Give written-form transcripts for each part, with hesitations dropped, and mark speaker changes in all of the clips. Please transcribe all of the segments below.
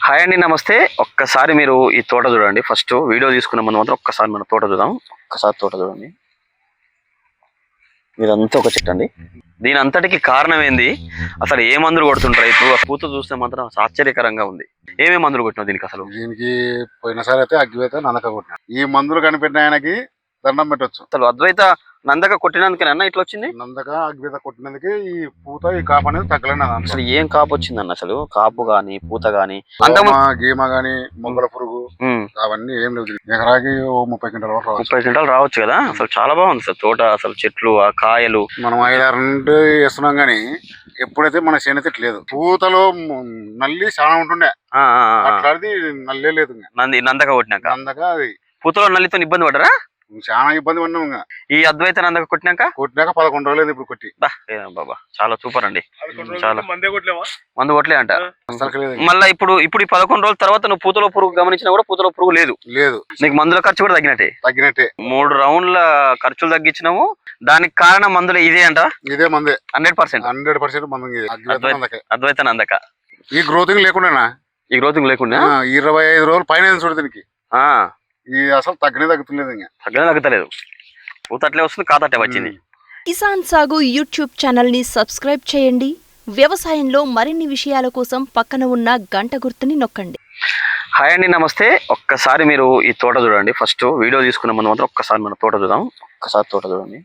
Speaker 1: Hi అండి, నమస్తే. ఒక్కసారి మీరు ఈ తోట చూడండి. ఫస్ట్ వీడియో తీసుకున్న మనం మాత్రం ఒక్కసారి మన తోట చూద్దాం. ఒక్కసారి తోట చూడండి. ఇదంతా ఒక చెట్టు అండి. దీని అంతటికి కారణం ఏంది, అసలు ఏ మందులు కొడుతుంటారు? ఇప్పుడు పూత చూస్తే మాత్రం ఆశ్చర్యకరంగా ఉంది. ఏమేమి మందులు కొట్టినావు దీనికి? అసలు
Speaker 2: దీనికి పోయినసారి అయితే అగ్గివేత నందక కొట్టిన. ఈ మందులు కనిపెట్టిన ఆయనకి దండం పెట్టొచ్చు.
Speaker 1: అసలు అద్వైత నందక కొట్టినందుకేనా ఇట్లా వచ్చింది?
Speaker 2: నందక అగ్గివేత కొట్టినందుకే ఈ పూత ఈ కాపు అనేది తగ్గలేదు.
Speaker 1: అసలు ఏం కాపు వచ్చిందన్న? అసలు కాపు గాని పూత గాని
Speaker 2: గీమ గాని మొగ్గల పురుగు అవన్నీ ఏం లేవు. ఎకరాకి 30 క్వింటాల వరకు
Speaker 1: 30 క్వింటాలు రావచ్చు కదా. అసలు చాలా బాగుంది సార్ తోట. అసలు చెట్లు, ఆ కాయలు
Speaker 2: మనం 5-6 నుండి వేస్తున్నాం గానీ ఎప్పుడైతే మన చేనైతే లేదు. పూతలో నల్లి చాలా ఉంటుండే, అట్లాంటిది నల్లే లేదు.
Speaker 1: నందక కొట్టినాక
Speaker 2: నందక అది
Speaker 1: పూతలో నల్లితో ఇబ్బంది పడరా?
Speaker 2: చాలా ఇబ్బంది పడినాం.
Speaker 1: ఈ అద్వైత నందక కొట్టినాక
Speaker 2: 11 రోజులు ఇప్పుడు కొట్టి.
Speaker 1: బాబా చాలా సూపర్ అండి. చాలా మందు కొట్టలే అంట.
Speaker 2: అసలు
Speaker 1: మళ్ళీ ఇప్పుడు ఈ 11 రోజుల తర్వాత నువ్వు పూతలో పురుగు గమనించినా కూడా పూతలో పురుగు లేదు. నీకు మందుల ఖర్చు కూడా తగ్గినట్టే. 3 రౌండ్ల ఖర్చులు తగ్గించినావు. దానికి కారణం మందులు ఇదే అంట.
Speaker 2: ఇదే మందే
Speaker 1: 100%
Speaker 2: మందు
Speaker 1: అద్వైత నందక.
Speaker 2: ఈ గ్రోతింగ్ లేకుండా
Speaker 1: 25
Speaker 2: రోజులు పైన చూడు దీనికి. ఈ అసలు తగ్గలేదు.
Speaker 1: పూత అట్లే వస్తుంది, కాతట్లే వచ్చింది.
Speaker 3: కిసాన్ సాగు యూట్యూబ్ ఛానల్ ని సబ్స్క్రైబ్ చేయండి. వ్యవసాయంలో మరిన్ని విషయాల కోసం పక్కన ఉన్న గంట గుర్తుని నొక్కండి.
Speaker 1: హాయ్ అండి, నమస్తే. ఒక్కసారి మీరు ఈ తోట చూడండి. ఫస్ట్ వీడియో తీసుకున్న మనం మాత్రం ఒక్కసారి మన తోట చూద్దాం. ఒక్కసారి తోట చూడండి.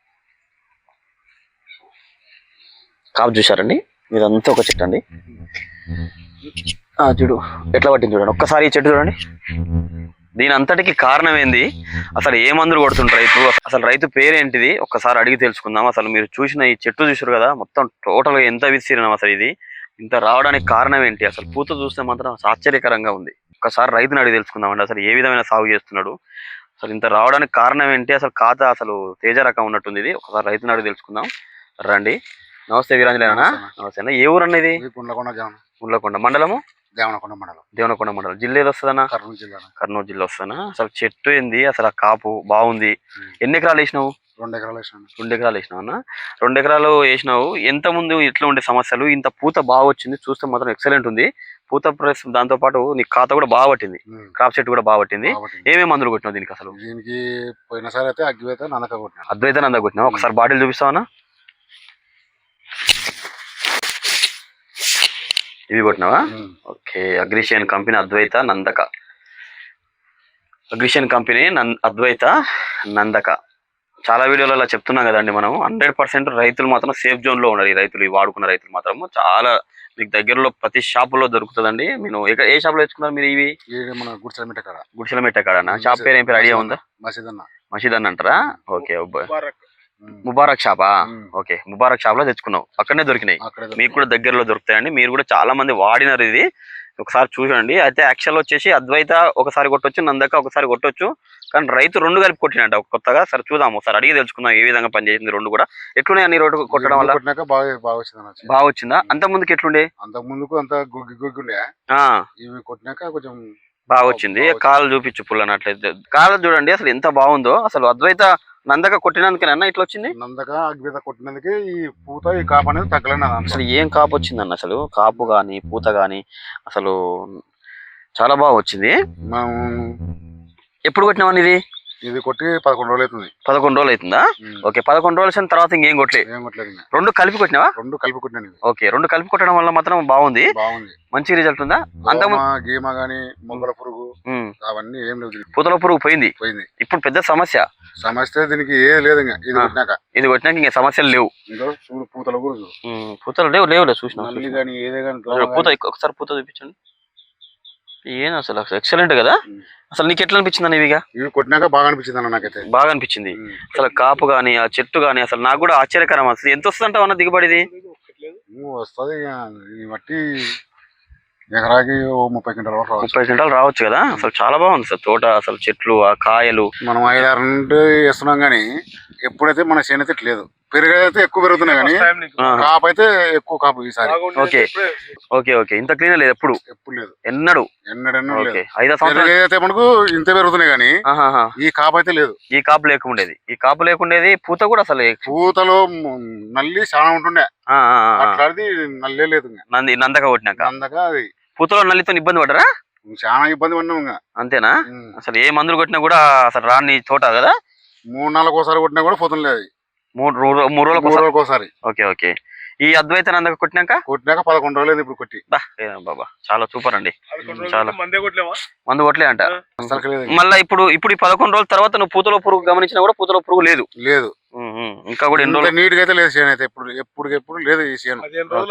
Speaker 1: కాపు చూసారండి. ఇదంతా ఒక చెట్టు అండి. చూడు ఎట్లా పట్టింది చూడండి. ఒక్కసారి ఈ చెట్టు చూడండి. దీని అంతటికి కారణం ఏంది, అసలు ఏ మందులు కొడుతుంటారు? ఇప్పుడు అసలు రైతు పేరేంటిది ఒక్కసారి అడిగి తెలుసుకుందాం. అసలు మీరు చూసిన ఈ చెట్టు చూసారు కదా, మొత్తం టోటల్ గా ఎంత విస్తీర్ణం, అసలు ఇది ఇంత రావడానికి కారణం ఏంటి? అసలు పూత చూస్తే మాత్రం ఆశ్చర్యకరంగా ఉంది. ఒక్కసారి రైతుని అడిగి తెలుసుకుందామండి. అసలు ఏ విధమైన సాగు చేస్తున్నాడు, అసలు ఇంత రావడానికి కారణం ఏంటి? అసలు ఖాతా అసలు తేజ రకం ఉన్నట్టుంది ఇది. ఒకసారి రైతుని అడిగి తెలుసుకుందాం రండి. నమస్తే వీరాంజలేనా? నమస్తే అన్న. ఏ ఊరు అన్న ఇది? గుండ్లకొండ మండలము, దేవనకొండ మండలం. జిల్లా ఏది వస్తుందన్నా? కర్నూలు జిల్లా వస్తుందన్నా. అసలు చెట్టు ఏంది, అసలు ఆ కాపు బాగుంది. ఎన్ని ఎకరాలు వేసినావు?
Speaker 2: 2 ఎకరాలు వేసినావు.
Speaker 1: 2 ఎకరాలు వేసినావు అన్న. 2 ఎకరాలు వేసినావు. ఎంత ముందు ఇట్లా ఉండే సమస్యలు, ఇంత పూత బాగా వచ్చింది. చూస్తే మాత్రం ఎక్సలెంట్ ఉంది పూత. ప్లస్ దాంతో పాటు నీ ఖాతా కూడా బాగా పట్టింది, క్రాప్ చెట్టు కూడా బాగా పట్టింది. ఏమేమి మందులు కొట్టినావు దీనికి? అసలు
Speaker 2: దీనికి పోయినసారి అయితే అగ్గివేత నందక కొట్టినా.
Speaker 1: అద్వైత నందక కొట్టినావు. ఒకసారి బాటిల్ చూపిస్తావన్నా? ఇవి కొట్టినావా? ఓకే. అగ్రిషియన్ కంపెనీ అద్వైత నందక. అగ్రిషియన్ కంపెనీ అద్వైత నందక. చాలా వీడియోలలో చెప్తున్నాం కదండి మనం. 100% రైతులు మాత్రం సేఫ్ జోన్ లో ఉన్నారు. ఈ రైతులు, ఈ వాడుకున్న రైతులు మాత్రం చాలా మీకు దగ్గరలో ప్రతి షాపులో దొరుకుతుందండి. నేను ఏ షాప్ లో తెచ్చుకున్నారు మీరు ఇవి?
Speaker 2: మన
Speaker 1: గుడిసెల మెట్ట కాడ. షాప్ పేరు ఏం పేరు ఐడియా ఉందా? మసీద్ అన్న అంటారా? ఓకే. ముబారక్ షాపా? ఓకే. ముబారక్ షాప్ లో తెచ్చుకున్నావు, అక్కడనే దొరికినాయి. మీకు కూడా దగ్గరలో దొరుకుతాయండి. మీరు కూడా చాలా మంది వాడినారు ఇది. ఒకసారి చూడండి. అయితే యాక్చువల్ వచ్చేసి అద్వైత ఒకసారి కొట్టొచ్చు, నందక ఒకసారి కొట్టొచ్చు. కానీ రైతు 2 కలిపి కొట్టినట్ట కొత్తగా. సరే చూద్దాం, ఒకసారి అడిగి తెలుసుకుందాం ఏ విధంగా పనిచేసింది 2 కూడా. ఎట్లున్నాయి అన్ని రోడ్డు కొట్టడం వల్ల? బాగా వచ్చిందా? అంత ముందుకు ఎట్లుండే?
Speaker 2: అంత ముందుకు అంత గుగ్గుండే. ఇవి కొట్టినాక కొంచెం
Speaker 1: బాగా వచ్చింది. కాలు చూపించు పుల్లనట్లయితే. కాలు చూడండి అసలు ఎంత బాగుందో. అసలు అద్వైత నందక కొట్టినందుకేనా ఇట్లా వచ్చింది?
Speaker 2: నందక అగ్గివేత కొట్టినందుకే ఈ పూత ఈ కాపు అనేది తగ్గలేదు.
Speaker 1: అసలు ఏం కాపు వచ్చిందన్న? అసలు కాపు గాని పూత గాని అసలు చాలా బాగా వచ్చింది. ఎప్పుడు కొట్టినావని ఇది?
Speaker 2: ఇది కొట్టి 11 రోజులు అవుతుంది.
Speaker 1: 11 రోజులు అవుతుందా? ఓకే. 11 రోజుల తర్వాత ఇంకేం కొట్టలేదు. 2 కలిపి కొట్టినావా?
Speaker 2: 2 కలిపి కొట్టినా.
Speaker 1: ఓకే. 2 కలిపి కొట్టడం వల్ల మాత్రం బాగుంది, మంచి రిజల్ట్ ఉందా?
Speaker 2: గీమ గాని మొగ్గల పురుగు అవన్నీ ఏం లేవు.
Speaker 1: పూతల పురుగు పోయింది. ఇప్పుడు పెద్ద సమస్య
Speaker 2: దీనికి ఏది లేదు.
Speaker 1: ఇది కొట్టినాక ఇంకా సమస్యలు లేవు. పూతలు లేవు చూసిన పూత. ఒకసారి పూత చూపించండి. ఏం అసలు ఎక్సలెంట్ కదా. అసలు నీకు ఎట్లా అనిపించింది అన్న?
Speaker 2: ఇవి కొట్టినాక బాగా అనిపించింది అన్న. నాకైతే బాగా
Speaker 1: అనిపించింది. అసలు కాపు గాని ఆ చెట్టు గాని అసలు నాకు కూడా ఆశ్చర్యకరం. అసలు ఎంత వస్తుంది అంటావు అన్న దిగుబడిది?
Speaker 2: వస్తుంది బట్టి ఎకరాకి 30 క్వింటాల వరకు
Speaker 1: 30 క్వింటాలు రావచ్చు కదా. అసలు చాలా బాగుంది సార్ తోట. అసలు చెట్లు, ఆ కాయలు
Speaker 2: మనం 5-6 నుండి వేస్తున్నాం గానీ ఎప్పుడైతే మన చేనైతే లేదు. పెరుగైతే ఎక్కువ పెరుగుతున్నాయి కానీ కాపు అయితే ఎక్కువ కాపు ఈసారి.
Speaker 1: ఓకే. ఇంత క్లీన్ లేదు ఎప్పుడు
Speaker 2: లేదు.
Speaker 1: ఎన్నడూ
Speaker 2: అయితే మనకు ఇంత పెరుగుతున్నాయి కానీ ఈ కాపు అయితే లేదు.
Speaker 1: ఈ కాపు లేకుండేది. పూత కూడా అసలు
Speaker 2: పూతలో నల్లి చాలా ఉంటుండే, అట్లాంటిది నల్లే లేదు.
Speaker 1: నందక కొట్టినాక
Speaker 2: నందక అది
Speaker 1: పూతలో నల్లితో ఇబ్బంది పడరా?
Speaker 2: చాలా ఇబ్బంది పడినాం ఇంకా.
Speaker 1: అంతేనా? అసలు ఏ మందులు కొట్టినా కూడా అసలు రాని తోట కదా?
Speaker 2: 3 నెలలకు ఒకసారి కొట్టినా కూడా పోతుంది లేదు.
Speaker 1: 3 రోజులకు
Speaker 2: ఒకసారి.
Speaker 1: Okay okay. ఈ అద్వైత నందక కొట్టినాక
Speaker 2: 11 రోజులు ఇప్పుడు కొట్టి.
Speaker 1: బాబా చాలా సూపర్ అండి. చాలా మందు కొట్టలే అంట.
Speaker 2: అసలు లేదు.
Speaker 1: మళ్ళీ ఇప్పుడు ఈ 11 రోజుల తర్వాత నువ్వు పూతలో పురుగు గమనించినా కూడా పూతలో పురుగు లేదు.
Speaker 2: లేదు.
Speaker 1: ఇంకా కూడా ఎన్ని రోజులు
Speaker 2: నీట్ గా అయితే లేదు చేను అయితే ఎప్పుడు లేదు ఈ చేను.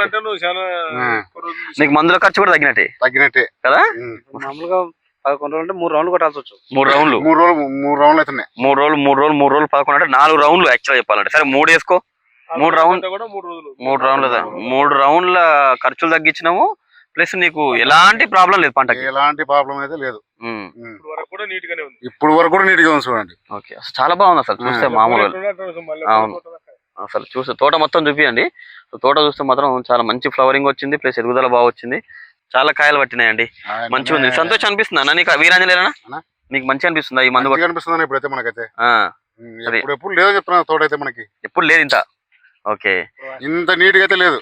Speaker 1: నీకు మందుల ఖర్చు కూడా తగ్గినట్టే కదా?
Speaker 4: మామూలుగా 11 రోజులు అంటే 3 రౌండ్లు కొట్టాల్సి వచ్చు.
Speaker 1: 3 రౌండ్లు
Speaker 2: 3 రౌండ్లు అవుతున్నాయి.
Speaker 1: 3 రోజులు 11 అంటే 4 రౌండ్లు యాక్చువల్ చెప్పాలంటే. సరే 3 వేసుకో. 3 రౌండ్ల ఖర్చులు తగ్గించినాము. ప్లస్ నీకు ఎలాంటి ప్రాబ్లం లేదు పంటకి.
Speaker 2: ఎలాంటి ప్రాబ్లం అయితే లేదు.
Speaker 4: ఇప్పుడు వరకు కూడా నీట్ గానే
Speaker 2: ఉంది చూడండి.
Speaker 1: ఓకే చాలా బాగుంది అసలు చూస్తే మామూలు. అవును అసలు చూస్తే తోట మొత్తం చూపియండి. తోట చూస్తే మాత్రం చాలా మంచి ఫ్లవరింగ్ వచ్చింది. ప్లస్ ఎదుగుదల బాగా వచ్చింది. చాలా కాయలు పట్టినాయండి. మంచిగా ఉంది. సంతోషం అనిపిస్తుందా నీకు వీరాంజనేనా? నీకు మంచిగా అనిపిస్తుందా ఈ మందు?
Speaker 2: అనిపిస్తుంది ఇప్పుడైతే మనకైతే. ఎప్పుడు లేదు చెప్తున్నా తోట అయితే మనకి
Speaker 1: ఎప్పుడు లేదు ఇంత. ఓకే
Speaker 2: ఇంత నీట్ గా అయితే లేదు.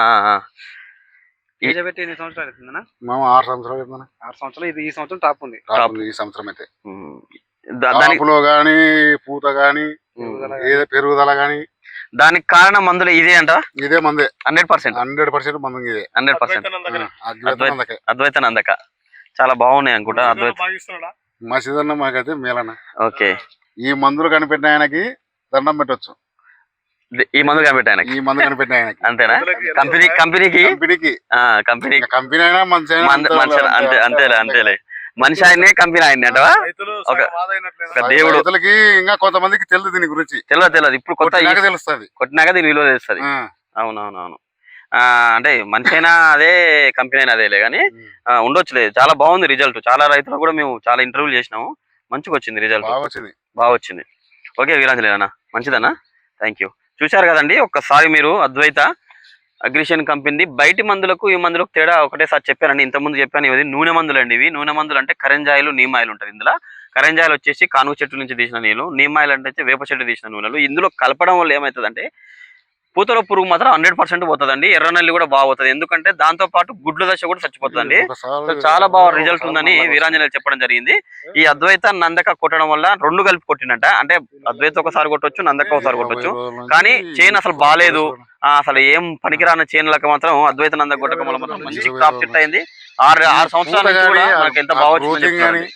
Speaker 4: ఎన్ని సంవత్సరాలు అవుతుందన్నా?
Speaker 2: 6 సంవత్సరాలు అవుతుందన్నా.
Speaker 4: 6 సంవత్సరాలు. ఇది ఈ సంవత్సరం టాప్ ఉంది.
Speaker 2: ఈ సంవత్సరం అయితే దానిలో గాని పూత గాని పెరుగుదల గాని
Speaker 1: దానికి కారణం మందులు ఇదే అంట.
Speaker 2: ఇదే మందే
Speaker 1: 100%
Speaker 2: మందు ఇదే
Speaker 1: 100%. అద్వైత నందక చాలా బాగున్నాయి అనుకుంటా.
Speaker 2: మసీదన్న మాకైతే మేలన్న.
Speaker 1: ఓకే
Speaker 2: ఈ మందులు కనిపెట్టిన ఆయనకి దండం పెట్టొచ్చు.
Speaker 1: ఈ మందు కనిపెట్టిన ఆయనకి అంతేనా? కంపెనీకి
Speaker 2: కంపెనీ అయినా మంచి
Speaker 1: అంతేలే. మనిషి ఆయనే కంపెనీ ఆయన అంటవా? దేవుడు
Speaker 2: ఇంకా కొంతమందికి తెలియదు దీని గురించి.
Speaker 1: తెలియదు. ఇప్పుడు కొత్త
Speaker 2: తెలుస్తుంది.
Speaker 1: కొట్టినాక దీని విలువ తెలుస్తుంది. అవునవునవును. అంటే మనిషి అయినా అదే కంపెనీ అయినా అదేలే కానీ ఉండొచ్చులేదు. చాలా బాగుంది రిజల్ట్. చాలా రైతులు కూడా మేము చాలా ఇంటర్వ్యూలు చేసినాము. మంచిగా వచ్చింది రిజల్ట్. బాగా వచ్చింది. ఓకే వీరాంజనేనా మంచిదన్నా. Thank you. చూశారు కదండి. ఒక్కసారి మీరు అద్వైత అగ్రిషన్ కంపెనీ బయటి మందులకు ఈ మందులకు తేడా ఒకటేసారి చెప్పానండి. ఇంతకుముందు చెప్పాను. ఇవి నూనె మందులు అండి. ఇవి నూనె మందులు అంటే కరెంజాయిలు నీమాయిలు ఉంటాయి. ఇందులో కరెంజాయిలు వచ్చేసి కానుగ చెట్టు నుంచి తీసిన నీళ్ళు, నీమాయిలు అంటే వేప చెట్టు తీసిన నూనెలు. ఇందులో కలపడం వల్ల ఏమవుతుందంటే పూతలో పురుగు మాత్రం 100% పోతుందండి. ఎర్రనల్లి కూడా బాగా పోతుంది. ఎందుకంటే దాంతో పాటు గుడ్ల దశ కూడా చచ్చిపోతుందండి. చాలా బాగా రిజల్ట్ ఉందని వీరాంజనేయులు చెప్పడం జరిగింది. ఈ అద్వైత నందక కొట్టడం వల్ల 2 కలిపి కొట్టినట్ట. అంటే అద్వైత ఒకసారి కొట్టొచ్చు, నందక ఒకసారి కొట్టొచ్చు. కానీ చేను అసలు బాగాలేదు. అసలు ఏం పనికిరాని చేనులకు మాత్రం అద్వైత నందక కొట్టడం వల్ల మాత్రం మంచి క్రాప్ సెట్ అయింది. 6 సంవత్సరాల నుంచి కూడా మనకి ఎంత బాగా వచ్చింది.